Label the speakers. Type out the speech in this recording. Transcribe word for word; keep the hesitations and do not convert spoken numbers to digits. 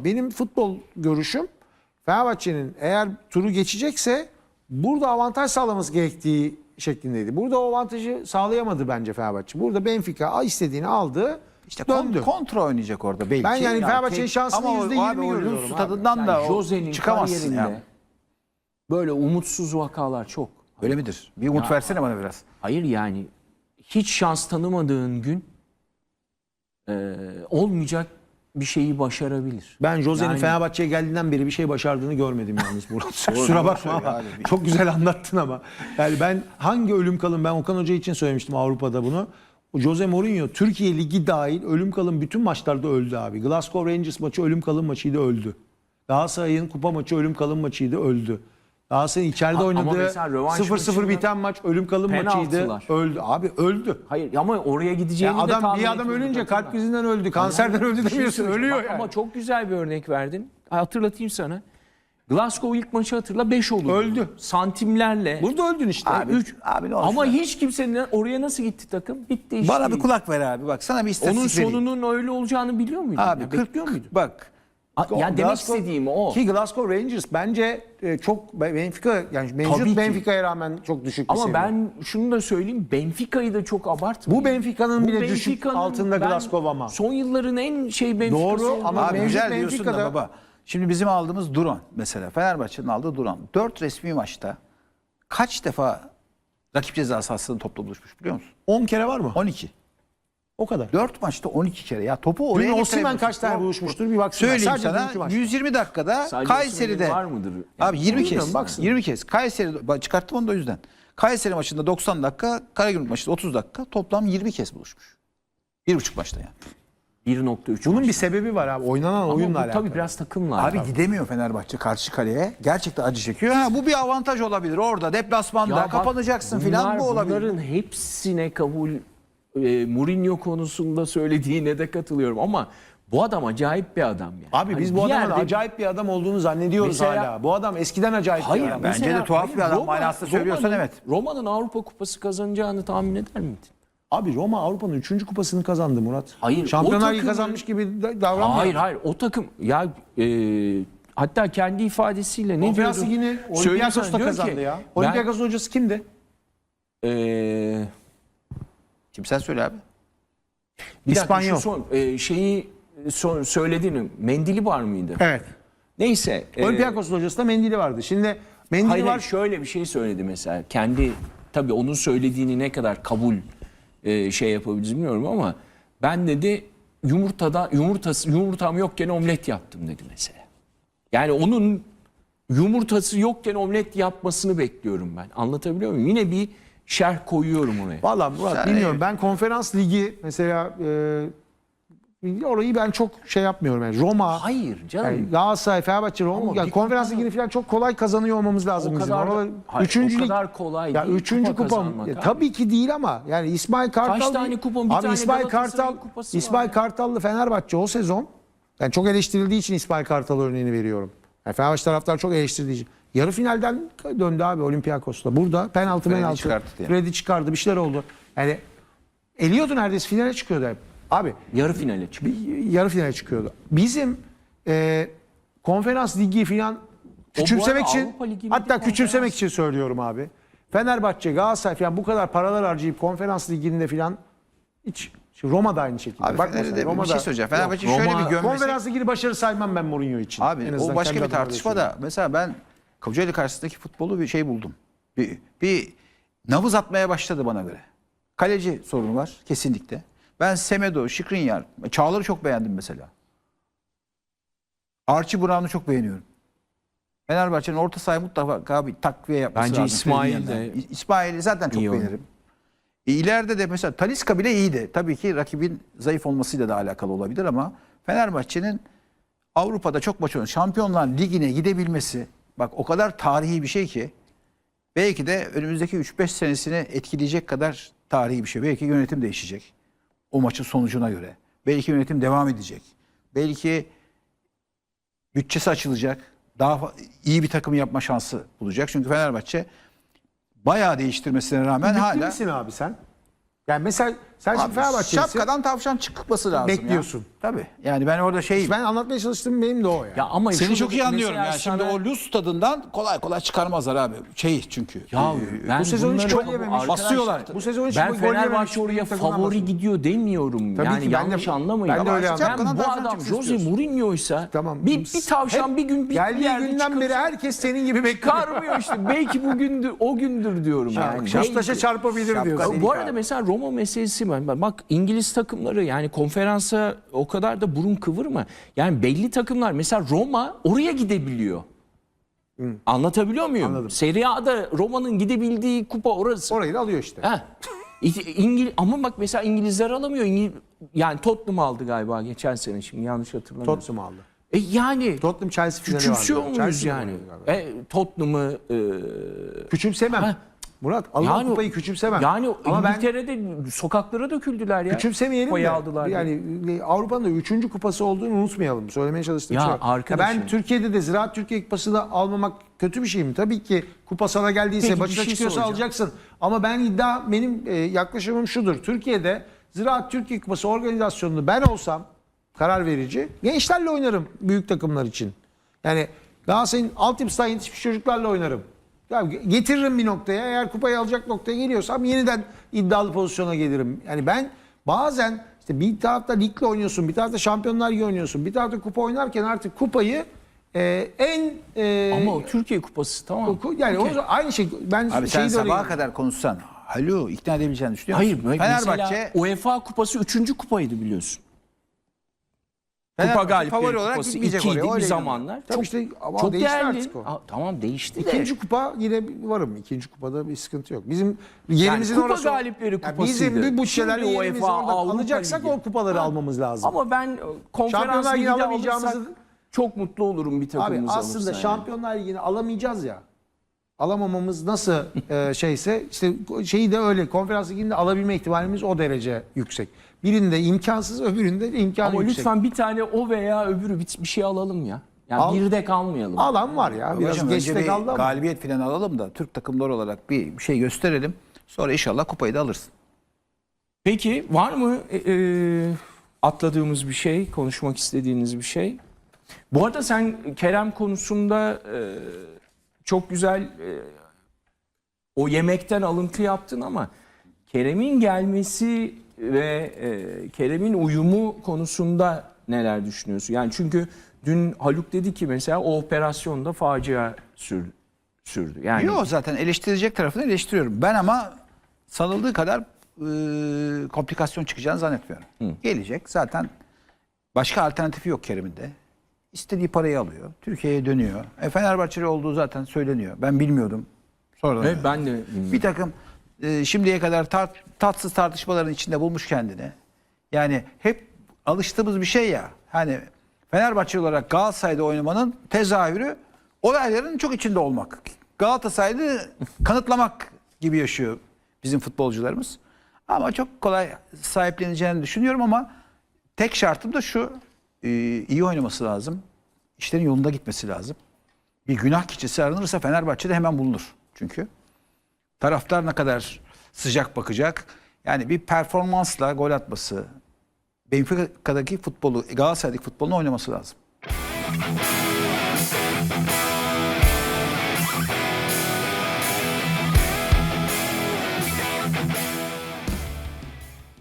Speaker 1: benim futbol görüşüm Fenerbahçe'nin eğer turu geçecekse burada avantaj sağlaması gerektiği şeklindeydi. Burada o avantajı sağlayamadı bence Fenerbahçe. Burada Benfica istediğini aldı.
Speaker 2: İşte
Speaker 1: döndü.
Speaker 2: kontra oynayacak orada belki.
Speaker 1: Ben yani Fenerbahçe'nin
Speaker 2: tek-
Speaker 1: şansını
Speaker 2: ama o-
Speaker 1: yüzde yirmi
Speaker 2: abi o
Speaker 1: görüyorum
Speaker 2: Rus
Speaker 1: abi.
Speaker 2: tadından
Speaker 3: Yani
Speaker 2: da o
Speaker 3: Jose'nin
Speaker 2: çıkamazsın
Speaker 3: kariyerinde
Speaker 2: ya.
Speaker 3: böyle umutsuz vakalar çok.
Speaker 2: Öyle midir? Bir umut
Speaker 3: Ya-
Speaker 2: versene bana biraz.
Speaker 3: Hayır yani hiç şans tanımadığın gün e, olmayacak bir şeyi başarabilir.
Speaker 1: Ben Jose'nin
Speaker 3: Yani-
Speaker 1: Fenerbahçe'ye geldiğinden beri bir şey başardığını görmedim yalnız Murat. Kusura bakma ama
Speaker 2: abi.
Speaker 1: çok güzel anlattın ama. Yani ben hangi ölüm kalım, ben Okan Hoca için söylemiştim Avrupa'da bunu. O Jose Mourinho Türkiye Ligi dahil ölüm kalım bütün maçlarda öldü abi. Glasgow Rangers maçı ölüm kalım maçıydı, öldü. Galatasaray'ın kupa maçı ölüm kalım maçıydı, öldü. Galatasaray'ın içeride
Speaker 3: A- ama
Speaker 1: oynadığı
Speaker 3: mesela rövanş
Speaker 1: sıfır sıfır
Speaker 3: maçında
Speaker 1: biten maç ölüm kalım maçıydı,
Speaker 3: penaltılar.
Speaker 1: öldü. Abi öldü.
Speaker 3: Hayır ama oraya gideceğini
Speaker 1: Ya
Speaker 3: de
Speaker 1: adam
Speaker 3: tahmin
Speaker 1: bir adam
Speaker 3: etmiyorduk,
Speaker 1: ölünce
Speaker 3: hatırla.
Speaker 1: kalp krizinden öldü, kanserden öldü
Speaker 3: Bir şey
Speaker 1: demiyorsun,
Speaker 3: söyleyeceğim.
Speaker 1: ölüyor
Speaker 3: Bak
Speaker 1: yani.
Speaker 3: Ama çok güzel bir örnek verdin. Hatırlatayım sana. Glasgow ilk maçı hatırla beş oldu.
Speaker 1: Öldü.
Speaker 3: Santimlerle.
Speaker 1: Burada öldün işte.
Speaker 2: Abi,
Speaker 3: üç.
Speaker 2: abi ne olsun
Speaker 3: Ama
Speaker 2: ya?
Speaker 3: hiç kimsenin oraya nasıl gitti takım? Bitti işte.
Speaker 2: Bana bir kulak ver abi. Bak sana bir istatistik
Speaker 3: Onun
Speaker 2: vereyim.
Speaker 3: sonunun öyle olacağını biliyor muydun?
Speaker 2: Abi
Speaker 3: Ya,
Speaker 2: kırk,
Speaker 3: bekliyor muydun?
Speaker 2: bak
Speaker 3: A- Ya demek
Speaker 1: Glasgow-
Speaker 3: istediğim o.
Speaker 1: Ki Glasgow Rangers bence e, çok Benfica yani
Speaker 3: Tabii
Speaker 1: mevcut
Speaker 3: ki.
Speaker 1: Benfica'ya rağmen çok düşük bir
Speaker 3: Ama
Speaker 1: seviye.
Speaker 3: ben şunu da söyleyeyim. Benfica'yı da çok abartmayın.
Speaker 1: Bu Benfica'nın
Speaker 3: Bu
Speaker 1: bile düşük
Speaker 3: Benfica'nın
Speaker 1: altında
Speaker 3: ben
Speaker 1: Glasgow ama.
Speaker 3: Son yılların en şey Benfica'sı.
Speaker 1: Doğru
Speaker 3: olduğunu-
Speaker 1: ama
Speaker 2: abi
Speaker 1: mevcut
Speaker 2: güzel diyorsun da
Speaker 1: Benfica'da-
Speaker 2: baba. Şimdi bizim aldığımız Duran mesela. Fenerbahçe'nin aldığı Duran. Dört resmi maçta kaç defa rakip ceza sahasının topla buluşmuş biliyor musun?
Speaker 1: on kere var mı?
Speaker 2: on iki.
Speaker 1: O kadar.
Speaker 2: Dört maçta on iki kere. Ya topu oraya
Speaker 1: Dün Osimhen
Speaker 2: getiremiyorsun.
Speaker 1: kaç tane buluşmuştur bir baksana.
Speaker 2: Söyleyeyim
Speaker 1: Sadece
Speaker 2: sana
Speaker 1: dünkü maçta.
Speaker 2: yüz yirmi dakikada
Speaker 3: Sadece
Speaker 2: Kayseri'de
Speaker 3: Osimhen'in var mıdır?
Speaker 2: abi yirmi
Speaker 1: Bilmiyorum,
Speaker 2: kez.
Speaker 1: baksın.
Speaker 2: yirmi kez. Kayseri bak çıkarttım onu da o yüzden. Kayseri maçında doksan dakika, Karagümrük maçında otuz dakika toplam yirmi kez buluşmuş. Bir buçuk maçta yani.
Speaker 3: bir nokta üç.
Speaker 1: Bunun bir sebebi var abi. Oynanan
Speaker 3: Ama
Speaker 1: oyunla
Speaker 3: bu
Speaker 1: alakalı.
Speaker 3: tabii biraz takımla.
Speaker 2: Abi gidemiyor Fenerbahçe karşı kaleye. Gerçekten acı çekiyor. Ha, bu bir avantaj olabilir. Orada deplasmanda
Speaker 3: Ya bak,
Speaker 2: kapanacaksın
Speaker 3: bunlar-
Speaker 2: filan bu olabilir.
Speaker 3: Bunların hepsine kabul e, Mourinho konusunda söylediğine de katılıyorum ama bu adam acayip bir adam yani.
Speaker 1: Abi biz
Speaker 3: Hani
Speaker 1: bu
Speaker 3: bir
Speaker 1: adamın
Speaker 3: yerde-
Speaker 1: acayip bir adam olduğunu zannediyoruz
Speaker 3: Mesela-
Speaker 1: hala. Bu adam eskiden acayip
Speaker 3: Hayır,
Speaker 1: bir adam.
Speaker 2: bence
Speaker 3: mesela-
Speaker 2: de tuhaf
Speaker 3: hayır,
Speaker 2: bir adam
Speaker 3: Roma-
Speaker 2: manasında söylüyorsan
Speaker 3: Roma'nın-
Speaker 2: evet.
Speaker 3: Roma'nın Avrupa Kupası kazanacağını tahmin eder miydin?
Speaker 1: Abi Roma Avrupa'nın üçüncü kupasını kazandı Murat.
Speaker 3: Hayır,
Speaker 1: Şampiyonlar
Speaker 3: o
Speaker 1: Ligi
Speaker 3: takımın-
Speaker 1: kazanmış gibi da- davranmıyor.
Speaker 3: Hayır hayır o takım ya e, hatta kendi ifadesiyle ne
Speaker 1: Konferans
Speaker 3: diyordu?
Speaker 1: Ligi'ni
Speaker 3: Söyleyeyim
Speaker 1: Olympiakos
Speaker 3: sana,
Speaker 1: da
Speaker 3: diyor
Speaker 1: kazandı
Speaker 3: ki,
Speaker 1: ya.
Speaker 3: ben-
Speaker 1: Olympiakos'un hocası kimdi?
Speaker 3: E,
Speaker 2: Kim sen söyle abi.
Speaker 3: bir dakika,
Speaker 1: İspanyol.
Speaker 3: şu son, e, şeyi son, söylediğini Mendili var mıydı?
Speaker 1: Evet.
Speaker 3: Neyse. e,
Speaker 1: Olympiakos'un hocası da Mendili vardı. Şimdi Mendili
Speaker 3: Hayır,
Speaker 1: var.
Speaker 3: hayır, şöyle bir şey söyledi mesela. Kendi tabii onun söylediğini ne kadar kabul e, şey yapabiliriz bilmiyorum ama ben dedi yumurtada yumurtası yumurtam yokken omlet yaptım dedi mesela. Yani onun yumurtası yokken omlet yapmasını bekliyorum ben. Anlatabiliyor muyum? Yine bir şerh koyuyorum oraya.
Speaker 1: Valla Murat
Speaker 2: Sen-
Speaker 1: bilmiyorum. Ben konferans ligi mesela e, orayı ben çok şey yapmıyorum. Yani Roma,
Speaker 3: Hayır canım.
Speaker 1: yani Galatasaray, Fenerbahçe, Roma.
Speaker 3: Ama
Speaker 1: Yani
Speaker 3: bir
Speaker 1: konferans
Speaker 3: kupa-
Speaker 1: ligini falan çok kolay kazanıyor olmamız lazım
Speaker 3: O
Speaker 1: bizim.
Speaker 3: kadar da-
Speaker 1: Oralar-
Speaker 3: hayır,
Speaker 1: üçüncü
Speaker 3: o
Speaker 1: lig-
Speaker 3: kadar kolay
Speaker 1: ya
Speaker 3: değil
Speaker 1: üçüncü
Speaker 3: kupa
Speaker 1: kupa,
Speaker 3: kazanmak
Speaker 1: ya
Speaker 3: abi.
Speaker 1: tabii ki değil ama yani İsmail Kartal
Speaker 3: Kaç tane kupon, bir
Speaker 1: abi
Speaker 3: tane
Speaker 1: İsmail
Speaker 3: Galatasaray'ın
Speaker 1: Kartal
Speaker 3: kupası var
Speaker 1: İsmail
Speaker 3: ya.
Speaker 1: Kartal'lı Fenerbahçe o sezon yani çok eleştirildiği için İsmail Kartal örneğini veriyorum. Yani Fenerbahçe taraftar çok eleştirdiği için. Yarı finalden döndü abi Olympiakos'ta. Burada penaltı
Speaker 2: Freddy
Speaker 1: penaltı.
Speaker 2: çıkarttı yani.
Speaker 1: Freddy çıkardı, bir şeyler oldu. Yani eliyordu neredeyse, finale çıkıyordu hep. Abi
Speaker 3: Yarı finale çıktı.
Speaker 1: yarı finale çıkıyordu. Bizim e, konferans ligi falan küçümsemek
Speaker 3: arada
Speaker 1: için,
Speaker 3: Avrupa Ligi'nin
Speaker 1: hatta
Speaker 3: bir
Speaker 1: küçümsemek
Speaker 3: konferans-
Speaker 1: için söylüyorum abi. Fenerbahçe, Galatasaray falan bu kadar paralar harcayıp konferans liginde falan hiç Şimdi Roma'da aynı şekilde.
Speaker 2: Abi
Speaker 1: Bak
Speaker 2: Fener'de
Speaker 1: mesela,
Speaker 2: bir şey söyleyeceğim. Fenerbahçe
Speaker 3: Yok,
Speaker 2: şöyle
Speaker 3: Roma-
Speaker 2: bir gömmesi.
Speaker 1: konferans ligini başarı saymam ben Mourinho için. En
Speaker 2: Abi
Speaker 1: azından
Speaker 2: o başka
Speaker 1: kendi
Speaker 2: bir
Speaker 1: adıma
Speaker 2: tartışma
Speaker 1: öyle
Speaker 2: da. Mesela ben Kocaeli karşısındaki futbolu bir şey buldum. Bir, bir nabız atmaya başladı bana göre. Kaleci sorunu var kesinlikle. Ben Semedo, Skriniar, Çağlar'ı çok beğendim mesela. Archie Brown'u çok beğeniyorum. Fenerbahçe'nin orta sahaya mutlaka bir takviye yapması
Speaker 3: Bence
Speaker 2: lazım.
Speaker 3: İsmail
Speaker 2: Skriniar'dan.
Speaker 3: de-
Speaker 2: İsmail'i zaten çok
Speaker 3: İyi oynuyor.
Speaker 2: beğenirim. E, ileride de mesela Talisca bile iyiydi. Tabii ki rakibin zayıf olmasıyla da alakalı olabilir ama Fenerbahçe'nin Avrupa'da çok maç oynadı. Şampiyonlar Ligi'ne gidebilmesi bak o kadar tarihi bir şey ki belki de önümüzdeki üç beş senesini etkileyecek kadar tarihi bir şey. Belki yönetim değişecek o maçın sonucuna göre. Belki yönetim devam edecek. Belki bütçesi açılacak. Daha fa- iyi bir takım yapma şansı bulacak. Çünkü Fenerbahçe bayağı değiştirmesine rağmen
Speaker 1: Ümitli
Speaker 2: hala
Speaker 1: misin abi sen? Yani mesela Sen şimdi
Speaker 2: Abi,
Speaker 1: Fenerbahçelisin.
Speaker 2: şapkadan tavşan çıkması lazım.
Speaker 1: Bekliyorsun.
Speaker 2: Ya. Tabii. Yani ben orada şey
Speaker 1: Ben anlatmaya çalıştığım benim de o yani.
Speaker 3: Ya ama
Speaker 2: seni
Speaker 3: şurada
Speaker 2: çok iyi anlıyorum
Speaker 3: mesela
Speaker 2: ya. Şimdi
Speaker 3: sana-
Speaker 2: o Luz tadından kolay kolay çıkarmazlar abi. Şey çünkü.
Speaker 3: Ya
Speaker 2: Ee,
Speaker 3: ben
Speaker 1: bu sezon hiç
Speaker 3: bunları
Speaker 1: gol
Speaker 3: çok-
Speaker 1: yememiş.
Speaker 3: arkadaşlar,
Speaker 2: Basıyorlar.
Speaker 1: Bu sezon hiç
Speaker 3: ben
Speaker 1: gol yememiş
Speaker 3: Fenerbahçe oraya
Speaker 1: bir takımdan
Speaker 3: favori
Speaker 1: bahsediyorum.
Speaker 3: gidiyor demiyorum.
Speaker 1: Tabii
Speaker 3: yani
Speaker 1: ki ben de-
Speaker 3: yanlış anlamayın.
Speaker 1: ben de
Speaker 3: Ama
Speaker 1: öyle
Speaker 3: ben
Speaker 2: anlıyorum.
Speaker 3: bu
Speaker 2: Şapkadan
Speaker 3: adam
Speaker 2: çıksın
Speaker 3: Jose
Speaker 2: istiyorsun.
Speaker 3: Mourinho'ysa
Speaker 1: Tamam.
Speaker 3: bir, bir tavşan
Speaker 1: Hep
Speaker 3: bir gün bir
Speaker 1: geldiği
Speaker 3: yerde
Speaker 1: günden
Speaker 3: çıkıp
Speaker 1: beri herkes senin gibi bekliyor.
Speaker 3: çıkarmıyor işte. Belki bugündür o gündür diyorum yani.
Speaker 1: Şaptaşa
Speaker 3: Belki.
Speaker 1: çarpabilir
Speaker 2: Şapka
Speaker 1: diyorsun.
Speaker 2: değil.
Speaker 3: Bu arada mesela Roma meselesi var. Bak İngiliz takımları yani konferansa o kadar da burun kıvırma. Yani belli takımlar mesela Roma oraya gidebiliyor. Anlatabiliyor muyum?
Speaker 1: Anladım.
Speaker 3: Serie A'da Roma'nın gidebildiği kupa orası.
Speaker 1: Orayı da alıyor işte.
Speaker 3: Ha. İngiliz ama bak mesela İngilizler alamıyor. İngiliz, yani Tottenham aldı galiba geçen sene şimdi yanlış hatırlamıyorum.
Speaker 1: Tottenham aldı.
Speaker 3: E yani
Speaker 1: Tottenham Chelsea finali
Speaker 3: küçümsüyor
Speaker 1: vardı.
Speaker 3: muyuz
Speaker 1: Chelsea
Speaker 3: yani?
Speaker 1: finali galiba.
Speaker 3: E, Tottenham'ı e,
Speaker 1: Küçümsemem.
Speaker 3: Ha.
Speaker 1: Murat alınan
Speaker 3: Yani-
Speaker 1: kupayı küçümsemem.
Speaker 3: yani
Speaker 1: Ama ben
Speaker 3: İngiltere'de sokaklara döküldüler ya.
Speaker 1: küçümsemeyelim
Speaker 3: Kupayı
Speaker 1: de.
Speaker 3: aldılar.
Speaker 1: Yani Avrupa'nın da üçüncü kupası olduğunu unutmayalım. Söylemeye çalıştığım
Speaker 3: Ya
Speaker 1: şey. o.
Speaker 3: arkadaşım.
Speaker 1: Ben Türkiye'de de Ziraat Türkiye Kupası'nı almamak kötü bir şey mi? Tabii ki kupa sana geldiyse
Speaker 3: Peki, bir
Speaker 1: başına
Speaker 3: şey
Speaker 1: çıkıyorsa
Speaker 3: soracağım.
Speaker 1: alacaksın. Ama ben iddia benim e, yaklaşımım şudur. Türkiye'de Ziraat Türkiye Kupası organizasyonunu ben olsam karar verici gençlerle oynarım büyük takımlar için. Yani Galatasaray'ın altyapısından yetişmiş çocuklarla oynarım. Ya getiririm bir noktaya. Eğer kupayı alacak noktaya geliyorsam yeniden iddialı pozisyona gelirim. Yani ben bazen işte bir tarafta ligle oynuyorsun, bir tarafta Şampiyonlar Ligi oynuyorsun, bir tarafta kupa oynarken artık kupayı e, en e,
Speaker 3: Ama o Türkiye Kupası tamam.
Speaker 1: ku- yani
Speaker 3: Okey.
Speaker 1: o aynı şey. Ben
Speaker 2: Abi sen
Speaker 1: şeyi de öyle-
Speaker 2: sabaha kadar konuşsan alo ikna edebileceğini düşünüyor
Speaker 3: Hayır,
Speaker 2: musun?
Speaker 3: mesela
Speaker 2: Fenerbahçe,
Speaker 3: UEFA Kupası üçüncü kupaydı biliyorsun. Kupa
Speaker 2: Fenerbahçe
Speaker 3: Galipleri
Speaker 2: favori olarak
Speaker 3: Kupası
Speaker 2: gitmeyecek
Speaker 3: ikiydi
Speaker 2: oraya.
Speaker 3: bir
Speaker 2: öyle
Speaker 3: zamanlar.
Speaker 1: Tabii
Speaker 3: Çok,
Speaker 1: işte ama
Speaker 3: çok
Speaker 1: değişti
Speaker 3: değerli.
Speaker 1: artık o.
Speaker 3: Aa, tamam değişti de.
Speaker 1: İkinci kupa yine varım. İkinci kupada bir sıkıntı yok. Bizim
Speaker 3: Yani
Speaker 1: yerimizin
Speaker 3: kupa
Speaker 1: orası.
Speaker 3: galipleri
Speaker 1: Yani
Speaker 3: kupasıydı.
Speaker 1: bizim bir bütçelerle
Speaker 3: Şimdi
Speaker 1: yerimizi
Speaker 3: UEFA,
Speaker 1: orada
Speaker 3: Avrupa
Speaker 1: alacaksak
Speaker 3: Ligi.
Speaker 1: o kupaları
Speaker 3: Ha.
Speaker 1: almamız lazım.
Speaker 3: Ama ben e, konferans
Speaker 1: Şampiyonlar Ligi'ni
Speaker 3: liginde
Speaker 1: alamayacağımızı-
Speaker 3: alırsak çok mutlu olurum bir
Speaker 1: Abi
Speaker 3: takımımız
Speaker 1: aslında
Speaker 3: alırsa yani.
Speaker 1: Şampiyonlar Ligi'ni alamayacağız ya. Alamamamız nasıl e, şeyse işte şeyi de öyle konferans liginde alabilme ihtimalimiz o derece yüksek. Birinde imkansız öbüründe imkanı
Speaker 3: Ama
Speaker 1: yüksek.
Speaker 3: lütfen bir tane o veya öbürü bir, bir şey alalım ya. Yani
Speaker 1: Al.
Speaker 3: bir de kalmayalım.
Speaker 1: Alan var ya. Biraz
Speaker 2: hocam önce
Speaker 1: geçte
Speaker 2: bir
Speaker 1: kaldı ama.
Speaker 2: galibiyet falan alalım da Türk takımları olarak bir bir şey gösterelim. Sonra inşallah kupayı da alırsın.
Speaker 3: Peki var mı e, e, atladığımız bir şey, konuşmak istediğiniz bir şey? Bu arada sen Kerem konusunda e, çok güzel e, o yemekten alıntı yaptın ama Kerem'in gelmesi ve e, Kerem'in uyumu konusunda neler düşünüyorsun? Yani çünkü dün Haluk dedi ki mesela o operasyonda facia sürdü. sürdü. Yani
Speaker 2: Yok zaten eleştirecek tarafını eleştiriyorum. Ben ama sanıldığı kadar e, komplikasyon çıkacağını zannetmiyorum. Gelecek zaten başka alternatifi yok Kerem'in de. İstediği parayı alıyor. Türkiye'ye dönüyor. E, Fenerbahçeli olduğu zaten söyleniyor. Ben bilmiyordum. Sonra
Speaker 3: Evet, ben de bilmiyorum.
Speaker 2: bir takım e, şimdiye kadar tar- tatsız tartışmaların içinde bulmuş kendini. Yani hep alıştığımız bir şey ya. Hani Fenerbahçe olarak Galatasaray'da oynamanın tezahürü olayların çok içinde olmak. Galatasaray'ı kanıtlamak gibi yaşıyor bizim futbolcularımız. Ama çok kolay sahipleneceğini düşünüyorum ama tek şartım da şu. e, iyi oynaması lazım. İşlerin yolunda gitmesi lazım. Bir günah keçisi aranırsa Fenerbahçe'de hemen bulunur. Çünkü taraftar ne kadar sıcak bakacak. Yani bir performansla gol atması, Benfica'daki futbolu, Galatasaray'daki futbolunu oynaması lazım.